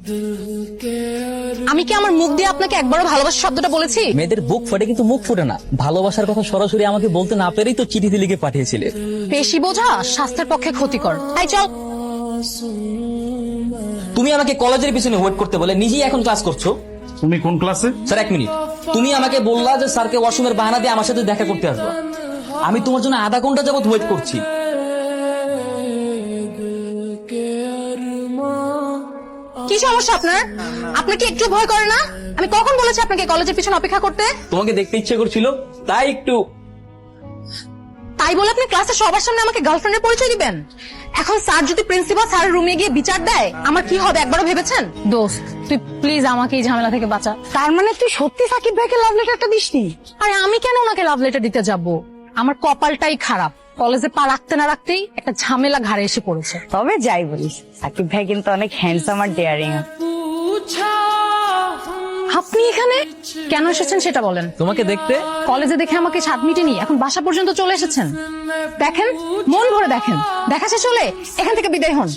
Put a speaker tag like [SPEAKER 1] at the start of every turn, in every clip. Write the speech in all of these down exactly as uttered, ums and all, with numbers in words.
[SPEAKER 1] আমি কি আমার মুখ দিয়ে আপনাকে একবারও ভালোবাসা শব্দটা বলেছি?
[SPEAKER 2] মেয়েদের বুক ফাটে কিন্তু মুখ ফুটে না। ভালোবাসার কথা সরাসরি আমাকে বলতে না পেরেই তো চিঠিতে লিখে পাঠিয়েছিলে।
[SPEAKER 1] বেশি বোঝা স্বাস্থ্যের পক্ষে ক্ষতিকর। তাই চল।
[SPEAKER 2] তুমি আমাকে কলেজের পিছনে ওয়েট করতে বলে নিজেই এখন ক্লাস করছো।
[SPEAKER 3] তুমি কোন ক্লাসে?
[SPEAKER 2] স্যার এক মিনিট, তুমি আমাকে বললা যে স্যারকে ওয়াশরুমের বাহানা দিয়ে আমার সাথে দেখা করতে আসবা। আমি তোমার জন্য আধা ঘন্টা যাবত ওয়েট করছি।
[SPEAKER 1] কি সমস্যা আপনার? আপনার কি একটু ভয় করে না? আমি কখন বলেছি আপনাকে কলেজের পিছনে অপেক্ষা করতে?
[SPEAKER 2] তোমাকে দেখতে ইচ্ছে করছিল তাই একটু।
[SPEAKER 1] তাই বলে আপনি ক্লাসে সবার সামনে আমাকে গার্লফ্রেন্ডের পরিচয় দিবেন? এখন স্যার যদি প্রিন্সিপাল স্যারের রুমে গিয়ে বিচার দেয় আমার কি হবে একবারও ভেবেছেন? দোস্ত তুই প্লিজ আমাকে এই ঝামেলা থেকে বাঁচা। তার মানে তুই সত্যি সাকিব ভাইকে লাভ লেটারটা দিসনি? আরে আমি কেন ওনাকে লাভ লেটার দিতে যাব? আমার কপালটাই খারাপ, কলেজে পা রাখতে না রাখতেই একটা ঝামেলা ঘাড়ে এসে পড়েছে।
[SPEAKER 4] তবে যাই বলিস, সাকিব ভাই কিন্তু অনেক হ্যান্ডসাম আর ডেয়ারিং।
[SPEAKER 1] আপনি এখানে কেন এসেছেন সেটা বলেন।
[SPEAKER 2] তোমাকে দেখতে।
[SPEAKER 1] কলেজে দেখে আমাকে সাত মিটেনি, এখন বাসা পর্যন্ত চলে এসেছেন। দেখেন, মন ভরে দেখেন, দেখা শেষ হলে এখান থেকে বিদায় হন।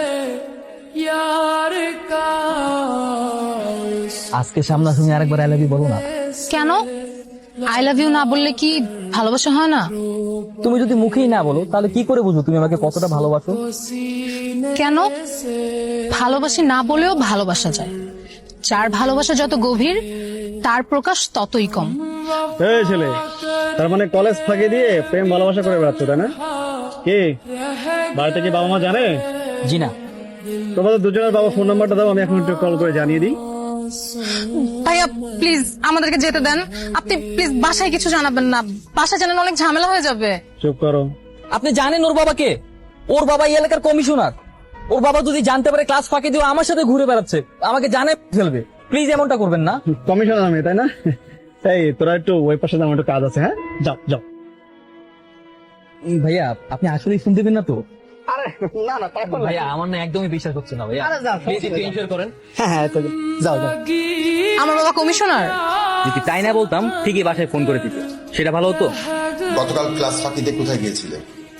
[SPEAKER 2] আজকে সামনাসামনি আরেকবার আই লাভ ইউ বলো না।
[SPEAKER 1] কেন আই লাভ ইউ না বললে কি ভালোবাসা হয় না?
[SPEAKER 2] তুমি যদি মুখেই না বলো তাহলে কি করে বুঝো তুমি আমাকে কতটা ভালোবাসো?
[SPEAKER 1] কেন ভালোবাসি না বলেও ভালোবাসা যায়। যার ভালোবাসা যত গভীর তার প্রকাশ ততই কম।
[SPEAKER 3] এই ছেলে, তার মানে কলেজ ফাঁকি দিয়ে প্রেম ভালোবাসা করে বেড়াচ্ছ তাই না? কি বাড়িতে কি বাবা মা জানে?
[SPEAKER 2] জি না।
[SPEAKER 3] তোমাদের দুজনের বাবা ফোন নাম্বারটা দাও, আমি এখন একটু কল করে জানিয়ে দিই।
[SPEAKER 1] ভাইয়া প্লিজ আমাদেরকে যেতে দেন। আপনি প্লিজ বাসায় কিছু জানাবেন না, বাসায় জানালে অনেক ঝামেলা হয়ে যাবে।
[SPEAKER 3] চুপ করো।
[SPEAKER 2] আপনি জানেন ওর বাবাকে? ওর বাবা এই এলাকার কমিশনার। ওর বাবা যদি জানতে পারে ক্লাস ফাঁকি দিয়ে আমার সাথে ঘুরে বেড়াচ্ছে, আমাকে জানে ফেলবে। প্লিজ এমনটা করবেন না।
[SPEAKER 3] কমিশনার আমি তাই না? এই তোরা একটু ওই পাশে আমার একটু কাজ আছে। হ্যাঁ যাও যাও।
[SPEAKER 2] ভাইয়া আপনি আসলেই শুনতে দেবেন না তো?
[SPEAKER 3] আরে না না,
[SPEAKER 2] ভাইয়া আমার না একদমই বিশ্বাস হচ্ছে না ভাইয়া। প্লিজ একটু এনশিওর করেন।
[SPEAKER 3] হ্যাঁ হ্যাঁ যাও যাও।
[SPEAKER 1] আমার বাবা কমিশনার।
[SPEAKER 2] যদি তাই না বলতাম ঠিকই বাসায় ফোন করে দিত, সেটা ভালো হতো।
[SPEAKER 5] গতকাল ক্লাস ফাঁকিতে কোথায় গিয়েছিলে?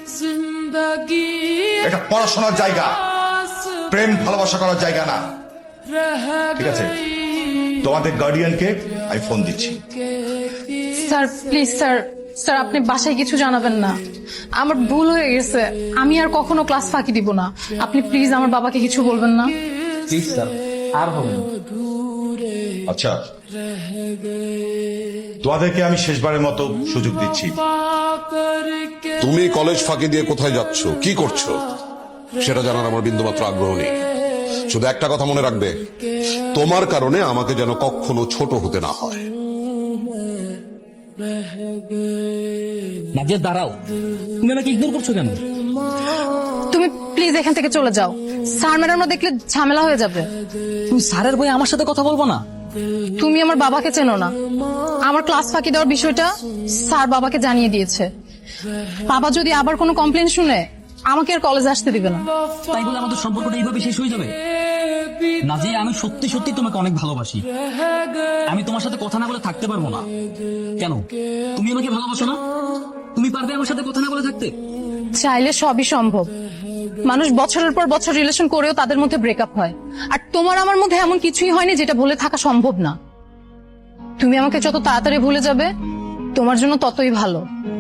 [SPEAKER 5] এটা পড়াশোনার জায়গা, প্রেম ভালোবাসা করার জায়গা না। ঠিক আছে, তোমাদের গার্ডিয়ানকে আমি ফোন দিচ্ছি।
[SPEAKER 1] স্যার প্লিজ স্যার, স্যার আপনি বাসায় কিছু জানাবেন না। আমার ভুল হয়ে গেছে, আমি আর কখনো ক্লাস ফাঁকি দিব না। আপনি প্লিজ আমার বাবাকে কিছু বলবেন না।
[SPEAKER 2] প্লিজ স্যার, আর হবে না।
[SPEAKER 5] আচ্ছা, তোমাদেরকে আমি শেষবারের মতো সুযোগ দিচ্ছি।
[SPEAKER 6] তুমি কলেজ ফাঁকি দিয়ে কোথায় যাচ্ছ, কি করছো সেটা জানার আমার বিন্দুমাত্র আগ্রহ নেই। শুধু একটা কথা মনে রাখবে, তোমার কারণে আমাকে যেন কখনো ছোট হতে না হয়।
[SPEAKER 2] নাজিয়া দাঁড়াও, তুমি আমাকে ইগনোর করছো কেন?
[SPEAKER 1] তুমি প্লিজ এখান থেকে চলে যাও, স্যার ম্যাডামরা দেখলে ঝামেলা হয়ে যাবে।
[SPEAKER 2] তুমি স্যারের বই আমার সাথে কথা বলবো না?
[SPEAKER 1] তুমি আমার বাবাকে চেনো না। আমার ক্লাস ফাঁকি দেওয়ার বিষয়টা স্যার বাবাকে জানিয়ে দিয়েছে। বাবা যদি আবার কোনো কমপ্লেন শুনে আমাকে আর কলেজে আসতে দিবে না।
[SPEAKER 2] তাই বলে আমাদের সম্পর্কটা এইভাবে শেষ হয়ে যাবে? নাজিয়া আমি সত্যি সত্যি তোমাকে অনেক ভালোবাসি। আমি তোমার সাথে কথা না বলে থাকতে পারবো না। কেন? তুমি আমাকে ভালোবাসো না? তুমি পারবে আমার সাথে কথা না বলে থাকতে?
[SPEAKER 1] চাইলে সবই সম্ভব। মানুষ বছরের পর বছর রিলেশন করেও তাদের মধ্যে ব্রেকআপ হয়, আর তোমার আমার মধ্যে এমন কিছুই হয়নি যেটা ভুলে থাকা সম্ভব না। তুমি আমাকে যত তাড়াতাড়ি ভুলে যাবে তোমার জন্য ততই ভালো।